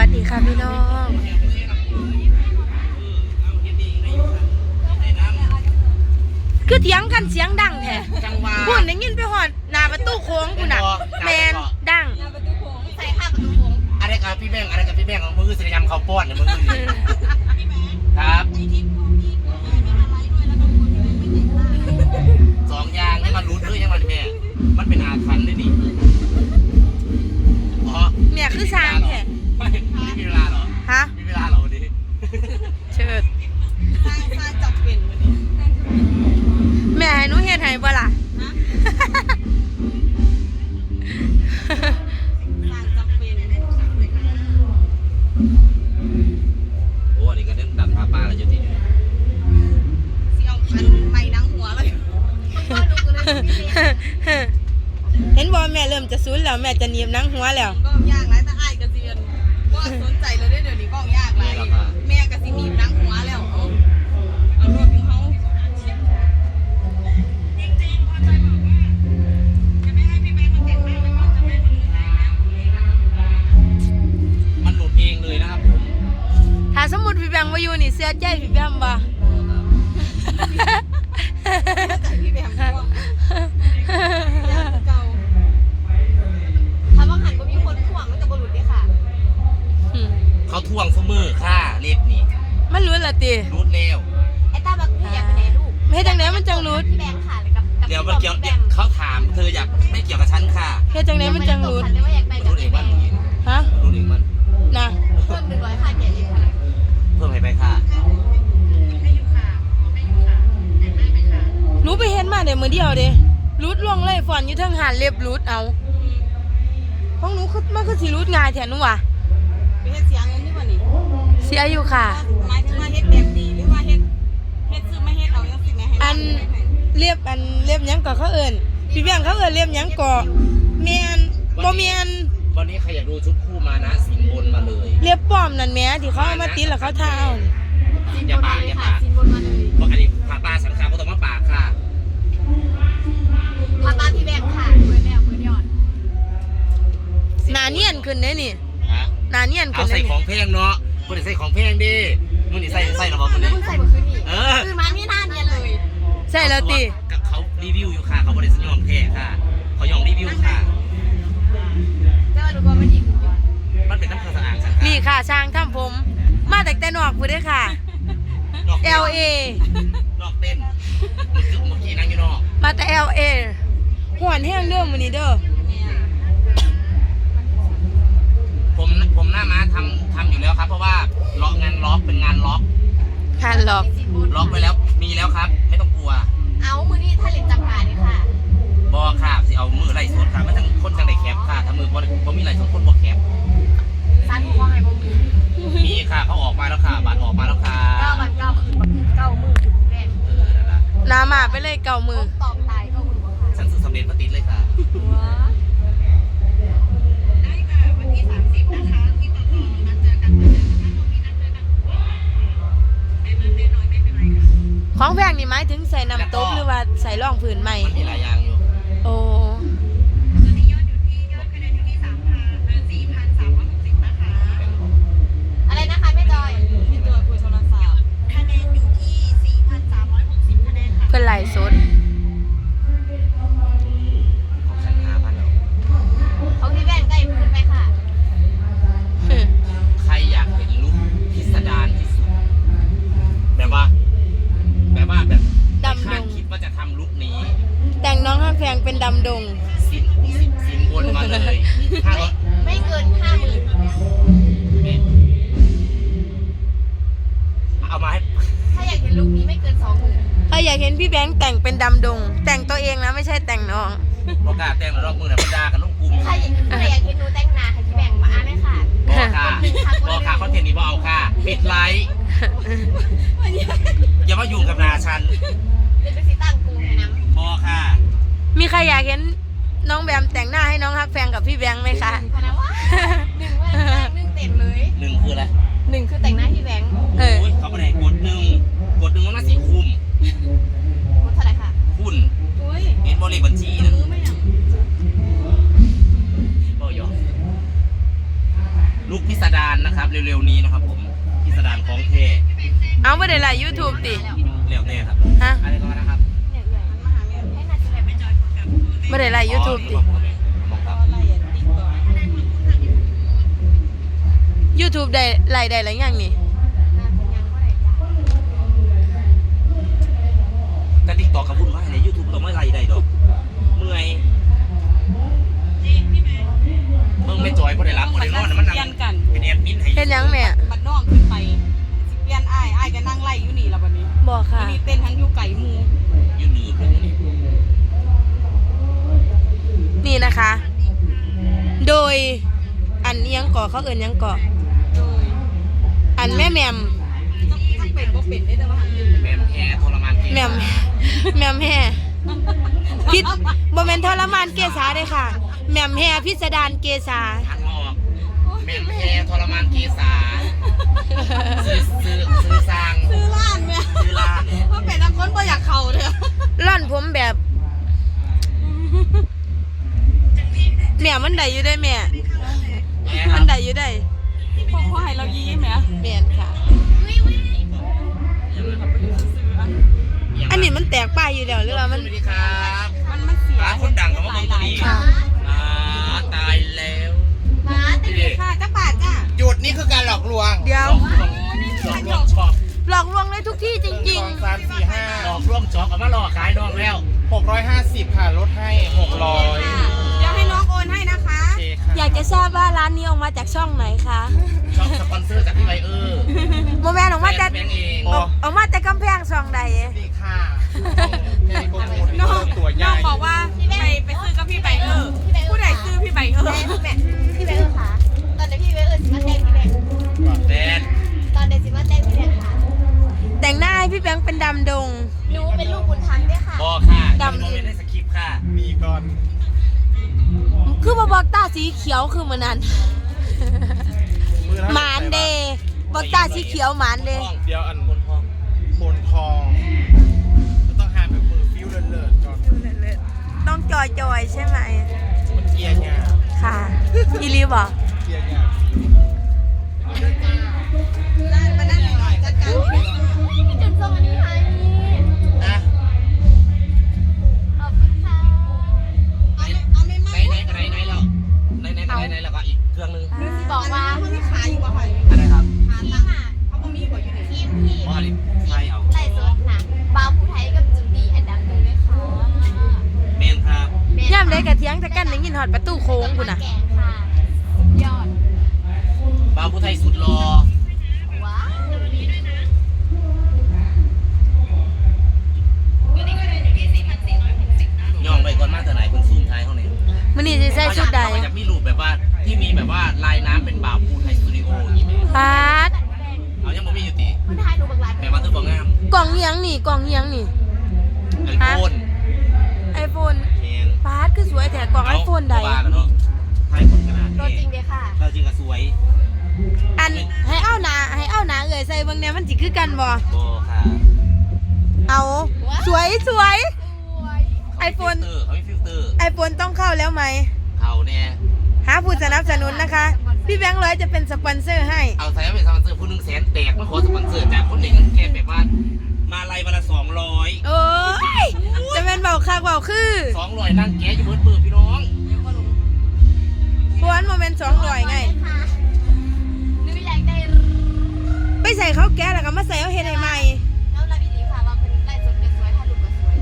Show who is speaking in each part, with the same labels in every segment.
Speaker 1: สดีค่ะพี่น้องคือเถียงกันเสียงดังแท้พูดได้ยินไปหอดหน้าประตูโค้งคุณน่ะแมนดัง
Speaker 2: ใส่ข้าประตูโค้งอะไรกับพี่แบงอะไรกับพี่แบงของมือศิลปกรรมเขาป้อนเนี่ยมือครับสองยางนี่มันรู้ด้วยยังไงแม่มันเป็นอาถรรพ์เลยนี่
Speaker 1: เมียคือสร้างแท้
Speaker 2: ไม่มีเวลาหรอ
Speaker 1: ฮะ
Speaker 2: มีเวลาหรอวันนี้
Speaker 1: เชิด
Speaker 2: สร้างจับเป็นวันนี้
Speaker 1: แม่ให้หนูเฮ็ดให้บ่ล่ะ
Speaker 2: โอ้อันนี้ก็เรื่องดันพาป้าแล้วจะติดสิเอาคันไม่ดังหัวเลย
Speaker 1: เห็นบ่แม่เริ่มจะซุนแล้วแม่จะหนีบนังหัวแล้ว
Speaker 3: ก็ยากหลายแต่อ้ายกระเซียนว่าสนใจเลยเดี๋ยวนี้ก็ยากหลายแม่กระสิหนีบนังหัวแล้วเอารถของเขา
Speaker 2: มันหลุดเองเลยนะครับผม
Speaker 1: ถ้าสมมุติพี่แบงค์มาอยู่นี่เสียใจพี่แบงค์บ่
Speaker 3: พี่แบงค์ก็ยากเก่าถ้าว่าหันก็มีคนถ่วงมันจะบหลุดด้วยค่ะ
Speaker 2: เขาท่วงเสมอค่ะเล็บนี่
Speaker 1: มันรู้ละติ
Speaker 2: รูดเร็ว
Speaker 3: ไอ้ตาแบบพี่อยากไปไหนลูก
Speaker 1: ไม่จังไหนมันจังรูด
Speaker 3: พี่แบงค์ค่ะเลยกับ
Speaker 2: เดี๋ยวมันเกี่ยวเขาถามเธออยากไม่เกี่ยวกับฉันค่ะ
Speaker 1: เฮ็ดจังไหนมันจังรูด
Speaker 2: รูดเองมัน
Speaker 1: ฮะ
Speaker 2: รูดเองมัน
Speaker 1: นะ
Speaker 3: เพิ่ม100ค่ะแกเองค่ะ
Speaker 2: เพิ่มให้ไปค่ะ
Speaker 1: รู้ไปเห็นมาเดี๋ยวมือเดียวเด้รูดล่วงเลยฝอนอยู่ทั้งหานเล็บรูดเอาห้องหนูคือมันคือสิรูดง่ายแท้หนูว่ะ
Speaker 3: ไปเฮ็ดเสียเงินนี่บ่นี่
Speaker 1: เสียอยู่ค่ะ
Speaker 3: หมายถึงว่าเฮ็ดแบบดีหรือว่าเฮ็ดซื้อมาเฮ็ดเอาจังซี่แม่ให้
Speaker 1: อันเรียบหยังก่อเขาเอิ้นพี่แบงค์เขาเอิ้นเรียบหยังก่อแม่นบ่แม่น
Speaker 2: วันนี้ใครอยากดูชุดคู่มานะสินบนมาเลย
Speaker 1: เรียบป้อมนั่นแหมที่เขาเอามาติดแล้วเขาทาเอา
Speaker 2: อย่าปาก
Speaker 3: สินบนมาเลย
Speaker 2: เพราะอันนี้พาปลาสังขารก็ต้องมาปากค่ะ
Speaker 3: พาปลาพี่แบงค์ค่ะเปิดแล้วเปิดยอด
Speaker 1: หน้าเนียนขึ้นเด้นี่หน้าเนียนขึ้น
Speaker 2: เอาใส่ของแพงเนาะคุณใส่ของแพงดินู่นนี่ใส่ระบบคุณ
Speaker 3: นี่ใส่เมื่อคืนนี่คือมานี่หน้าเนียนเลย
Speaker 1: ใช่แล้วติ
Speaker 2: กับเขารีวิวอยู่ค่ะเขาบริษัทยอมแพ้ค่ะเขายอมรีวิวค่ะ
Speaker 3: แต่ว่าดูว่ามันอีก
Speaker 2: มันเป็นน้ำเครื่องสะอาดสังขาร
Speaker 1: นี่ค่ะช่างทำผมมาแต่นอกพูดได้ค่ะ LA
Speaker 2: นอกเต้นเมื่อกี้นั่งอยู่นอก
Speaker 1: มาแต่ LA หวนแห้งเด้อมื้อนี้เด้อ
Speaker 2: ผมหน้าม้าทำอยู่แล้วครับเพราะว่าล็อกงานล็อกเป็นงานล็อกล็อกไปแล้วมีแล้วครับไม่ต้องกลัว
Speaker 3: เอามือนี่ถ้าเล่นจังหวะนี่ค่ะ
Speaker 2: บอค่ะสิเอามือไล่สดค่ะไม่ทั้งคนจังไดแคปค่ะถ้ามือบอมีไล่สดคนบอแคป
Speaker 3: สั้นหัวให้บอ
Speaker 2: มีค่ะเขาออกมาแล้วค่ะบัตรออกมาแล้วค่ะ
Speaker 3: 9 บัตร 9คือ9มือคือแรก
Speaker 1: น้ำมาไปเลย9 มือ
Speaker 3: ตอบตาย9 มือค่ะ
Speaker 2: ฉันซื้อสำเร็จมาติดเลยค่ะ
Speaker 3: ได้ค่ะวันที่30นะคะที่ต่อนัดเจอกันเหมือนเดิมถ้าเรามีนัดเจอกันไม่มากไม่น้อยไม่เป็นไรค่ะ
Speaker 1: ของแพงนี่หมายถึงใส่น้ำตบหรือว่าใส่ร่องผืนใหม่
Speaker 2: มีหลายอย่างอยู่
Speaker 1: โอ้
Speaker 3: ตอนนี้ยอดคะแนนอยู่ที่4,360นะคะอะไรนะคะแม่จอยที่ตัวคุยโทรศัพท์คะแนนอยู่ที่4,360คะแนนค่ะ
Speaker 1: เพื่อนไหลสด
Speaker 2: ของฉัน5,000แล้ว
Speaker 3: เขาที่แบ่งใกล้พื้นไปค่ะ
Speaker 2: ใครอยากเห็นลุคพิสดารที่สุดแบบว่า
Speaker 1: ดำดง
Speaker 2: คิดว่าจะทำลุคนี้
Speaker 1: แต่งน้องฮักแพงเป็นดำดง
Speaker 2: สินบนมาเลย
Speaker 3: ไม่เกิน 50,000
Speaker 2: เอามาให้
Speaker 3: ถ้าอยากเห็นลุคนี้ไม่เกิน 20,000
Speaker 1: ถ้าอยากเห็นพี่แบงค์แต่งเป็นดำดงแต่งตัวเองนะไม่ใช่แต่งน้อง
Speaker 2: โอกาสแต่งแล้วรอบมือเนี่ยมันด่ากันลูกกลุ่ม
Speaker 3: ถ้าอยากเห็นหนูแต่งหน้าให้พี่แบงค์มาอ่านเลยค่ะ
Speaker 2: บอกค่ะคอนเทนต์นี้บอกเอาค่ะปิดไลค์อย่ามายุ่งกับนาฉัน
Speaker 3: เป็นไปสิตั้งกูให้น้
Speaker 2: ำบอกค่ะ
Speaker 1: มีใครอยากเห็นน้องแบมแต่งหน้าให้น้องฮักแพงกับพี่แบงค์ไหมคะ
Speaker 3: พนะว่า1เต็มเลย
Speaker 2: 1คืออะไร
Speaker 3: 1คือแต่งหน้าพี่แบงค์
Speaker 2: เขาไม่ได้กด1มันน่าสีคุ้ม
Speaker 3: เท่าไหร่ค่ะ
Speaker 2: คุณเห็นบริบัญชีนะ
Speaker 3: ไม่อยาก
Speaker 2: บ่ยอมลูกพิสดารนะครับเร็วๆนี้นะครับผมพิสดารของเท่
Speaker 1: เอาไม่ได้ไลฟ์ YouTube ติ
Speaker 2: เร็วแน่ครับ
Speaker 1: ฮะ
Speaker 2: อะไรก็นะครับ
Speaker 1: ไม่ได้ไลฟ์ YouTube ติ
Speaker 2: มองครับ
Speaker 1: YouTube ได้ไลฟ์ได้หรือยังนี่
Speaker 2: แต่ติ๊กต็อกกับวุ่นวายในยูทูบต้องไม่ไล่ได้ดอกเมื่อยมึงไม่จอยเพราะได้รับเพราะได้นอนมันนั่งเป็นแอดมินให้
Speaker 1: เฮ็ดหยังแม่
Speaker 3: บัดน้องขึ้นไปสิเปลี่ยนอ้ายก็นั่งไล่อยู่นี่ละวันนี้
Speaker 1: บอกค่ะ
Speaker 3: วันนี้เต้นทั้งอยู่ไก่หมู
Speaker 2: ยืนหนีเพื่อนนี่
Speaker 1: นี่นะคะ โดยอันเอียงก่อเขาเอิ้นหยังก่อ
Speaker 3: โดย
Speaker 1: อันแม่แหม่ม
Speaker 3: ต้องเป็นบ่เป็นได้แต่ว่าหันอยู่
Speaker 2: แม่แพ้ทรมานเก
Speaker 1: แหม่มแหม่มแห่พิษบ่แม่นทรมานเกษาเด้อค่ะแหม่มแห่พิสดารเกษา
Speaker 2: ทันออกแม่แพ้ทรมานเกษาซื้อสร้าง
Speaker 3: ซื้อร้านแม่
Speaker 2: ซื้อร้าน
Speaker 3: เพราะเป็นนักคนบ่อยากเข้าเลย
Speaker 1: ร่อนผมแบบแม่มันได้อยู่ได้แม่
Speaker 2: แม่ค
Speaker 1: มั
Speaker 2: รั
Speaker 1: น
Speaker 2: บ
Speaker 1: ได้อยู่ได้
Speaker 3: พอให้เรายิ้มแม่
Speaker 1: แม่นค่ะ อันนี้มันแตกป้ายอยู่แล้วหรือว่ามัน
Speaker 2: สวัสดีครับ
Speaker 3: มันเสีย
Speaker 2: ร้านคนดังของเมืองตัวนี้
Speaker 1: ค่ะ
Speaker 2: ตายแล้ว
Speaker 3: มาแต่เด็กค่ะจ้าป่าจ้า
Speaker 4: หยุดนี่คือการหลอกลวง
Speaker 1: เดี๋ยว
Speaker 2: หลอกลวงช็อป
Speaker 1: หลอกลวงได้ทุกที่จริง
Speaker 4: 2 3 4
Speaker 2: หลอกลวงช็อปเอามาหลอกขายดองแล้ว
Speaker 4: 5 650 ค่ะ ลดให้ 600
Speaker 3: เดี๋ยวให้น้องโอนให้นะคะ
Speaker 4: โอเคค่ะ
Speaker 1: ๆ อยากจะทราบว่าร้านนี้ออกมาจากช่องไหนคะ
Speaker 2: ช็อปสปอนเซอร์จากพี่ไบเออร์
Speaker 1: โมแมนออกมาจาก
Speaker 2: แบงค์เอง
Speaker 1: ออกมาจากกำแพงช่องใด
Speaker 4: ดีค่ะในโปรโมท
Speaker 3: น้อง
Speaker 4: ตัวให
Speaker 3: น้
Speaker 4: ญ่
Speaker 3: องบอกว่าไปซื้อกับพี่ไบเออร์ผู้ใดซื้อพี่ไบเออร์
Speaker 5: แม่พี่แบงค์ค่ะตอนเดี๋ยวพี่แบงค์สิมาแต่งพี่แบงค์
Speaker 2: แดน
Speaker 5: ตอนเดี๋ยวสิมาแต่งพี่แบงค์ค่ะ
Speaker 1: แต่งหน้าให้พี่แบงค์เป็นดำดง
Speaker 5: หนูเป็นลูกบุญธรรมด้วยค่ะ
Speaker 2: บอกค่ะ
Speaker 1: ดำ
Speaker 2: โมเมนต์ในสคริปต์ค่ะ
Speaker 4: มีก่อน
Speaker 1: คือมาบอกตาสีเขียวคือเหมือนนั้น
Speaker 4: มือเท่
Speaker 1: หมานเดย์บอกตาสีเขียวหมานเดย์
Speaker 4: เดี๋ยวอัน
Speaker 2: บนห้อง
Speaker 4: บนทองจะต้องหาแบบมือฟิวเลิศๆก่อน
Speaker 1: ต้องจอยๆใช่ไหม
Speaker 4: มันเกียร์งา
Speaker 1: ค่ะอีลีบอก
Speaker 4: เกียร์งา
Speaker 3: มานั่งหน่อยจัดการพี่
Speaker 5: จุดส่งอันนี้ให้
Speaker 2: นะ
Speaker 5: ขอบคุณค่ะ
Speaker 3: เอาไม่มาก
Speaker 2: ไหนแล้วไหนแล้วก็อีกเครื่องนึง
Speaker 5: บอกว่า
Speaker 3: เขาไม่ขายอยู่บ่ค่ะ
Speaker 2: อะไรครับ
Speaker 3: หา
Speaker 5: ที
Speaker 3: ตัง
Speaker 5: ม
Speaker 3: ค์
Speaker 5: อ่ะ
Speaker 3: เขาบ่มีบ่อยู่ใน
Speaker 5: ทีมที่
Speaker 2: เพราะอะไรใช่เอา
Speaker 5: ไล่สดนะบาวผู้ไทยกับจุดดีอันดับหนึ่งด้วยค่ะ
Speaker 2: เมนครับ
Speaker 1: ย่ำได้กระเทียงจะกั้นในยินหอดประตูโค้งคุณน่ะ
Speaker 5: แกงค่ะยอด
Speaker 2: บ่าวผู้ไทยสุดรอ
Speaker 5: ว้าว
Speaker 2: ย่องไปก่อนมาเท่าไหร่คนซูมท้ายเขาเนี่ย
Speaker 1: มันนี่จะใส่ชุดใด
Speaker 2: เขาจะมีรูปแบบว่าที่มีแบบว่าลายน้ำเป็นบ่าวผู้ไทยสตูดิโออย่างนี้ไหม
Speaker 1: ปาด
Speaker 2: เอายังบ่มีอยู่ติ
Speaker 5: ผู้ไทยหนูบักหลาย
Speaker 2: แต่ว่าเธอบอกงาม
Speaker 1: กล่องเฮียงนี่กล่องเฮียงนี่
Speaker 2: ไอโฟน
Speaker 1: ไอโฟน
Speaker 2: แมน
Speaker 1: ปาดคือสวยแต่กล่องไอโฟนใด
Speaker 2: เอาบ้าแล้วเนาะไทยคนขนาด
Speaker 5: ตัว
Speaker 2: นี้
Speaker 5: จริงเลยค่ะ
Speaker 2: เราจริงก็สวย
Speaker 1: อันให้เอาหนาเอ่ยใส่เบางแนวมันจิคือกันบ่
Speaker 2: โบค่ะ
Speaker 1: เอาสวย
Speaker 5: สวย
Speaker 1: ไอโฟน
Speaker 2: เขามีฟิลเตอร์
Speaker 1: ไอโฟนต้องเข้าแล้วไหม
Speaker 2: เขาเนี่ย
Speaker 1: หาผู้สนับสนุนนะคะ พี่แบงค์ร้อยจะเป็นสปอนเซอร์ให้
Speaker 2: เอาใส่เป็นสปอนเซอร์ผู้หนึ่ง100,000แตกมาขอสปอนเซอร์จากคนหนึ่งแกแบบว่ามาไล่วันละ200
Speaker 1: โอ้ยจะเป็นเบาคักเบาคือ
Speaker 2: 200นั่งแกะอยู่เบิดเบิดพี่น้อง
Speaker 1: พวนโมเมนต์200ไง
Speaker 5: ค่ะหนูอยากได้
Speaker 1: ไปใส่เขาแก้แล้วก็มาใส่เอาเฮ็ดให้ใหม่
Speaker 5: น้องรับอีหลีค่ะว่าเป็นไล่สดก็สวยถ้าลูกก็สวย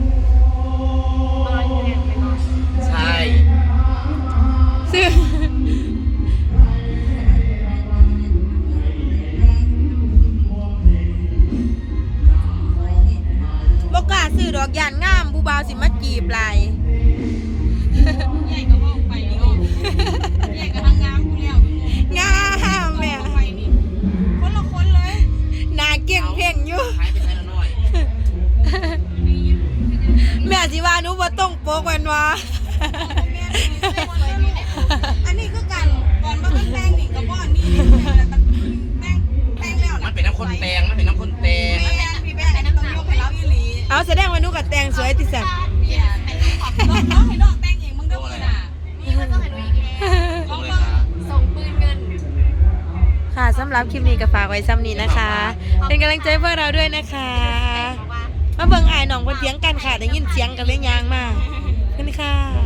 Speaker 5: ร้อยคะแนนไปก่อน
Speaker 2: ใช่
Speaker 1: ซื้อบอกกล้าซื้อดอกยานงามผู้บ่าวสิมาจีบหลาย
Speaker 3: ใหญ่ก็ว่าไปนี่ก็ใหญ่ก็ทางงามกูแล้ว
Speaker 1: งามแม่
Speaker 3: ไปนี่คนละคนเลย
Speaker 1: หน้าเก่งเพ่งอยู่
Speaker 2: หายไปใช้ละน้อย
Speaker 1: แม่สิว่าหนูบ่ต้องโปกแม่นวะ
Speaker 3: อันนี้คือกันก่อนมาเป็นแป้งนี่กับบ่อนนี่แป้งแล้ว
Speaker 2: มันเป็นน้ำข้นแตงมันเป็นน้ำข้นแตง
Speaker 3: แป้งพี่แป้งต้องยกให้เราอีหลี
Speaker 1: เอาแสดงว่าหนูก็แต่งสวยติสัน
Speaker 5: เนี่ยเป็นลูกขอบ
Speaker 3: น้องให้น้องแต่งเองมึงเด้อมึงน่ะ
Speaker 5: นี่มันต้องให้หนูอีกแล้ว
Speaker 2: ลงเลยค่ะ
Speaker 5: ส่งปืนเงิน
Speaker 1: ค่ะสำหรับคลิปนี้ก็ฝากไว้ซ้ำนี้นะคะ เป็นกำลังใจเพื่อเราด้วยนะคะ
Speaker 5: บอกว่า
Speaker 1: มาเบิ่งอายหนองบนเถียงกันค่ะได้ยินเสียงกันเลยยางมาขอบคุณค่ะ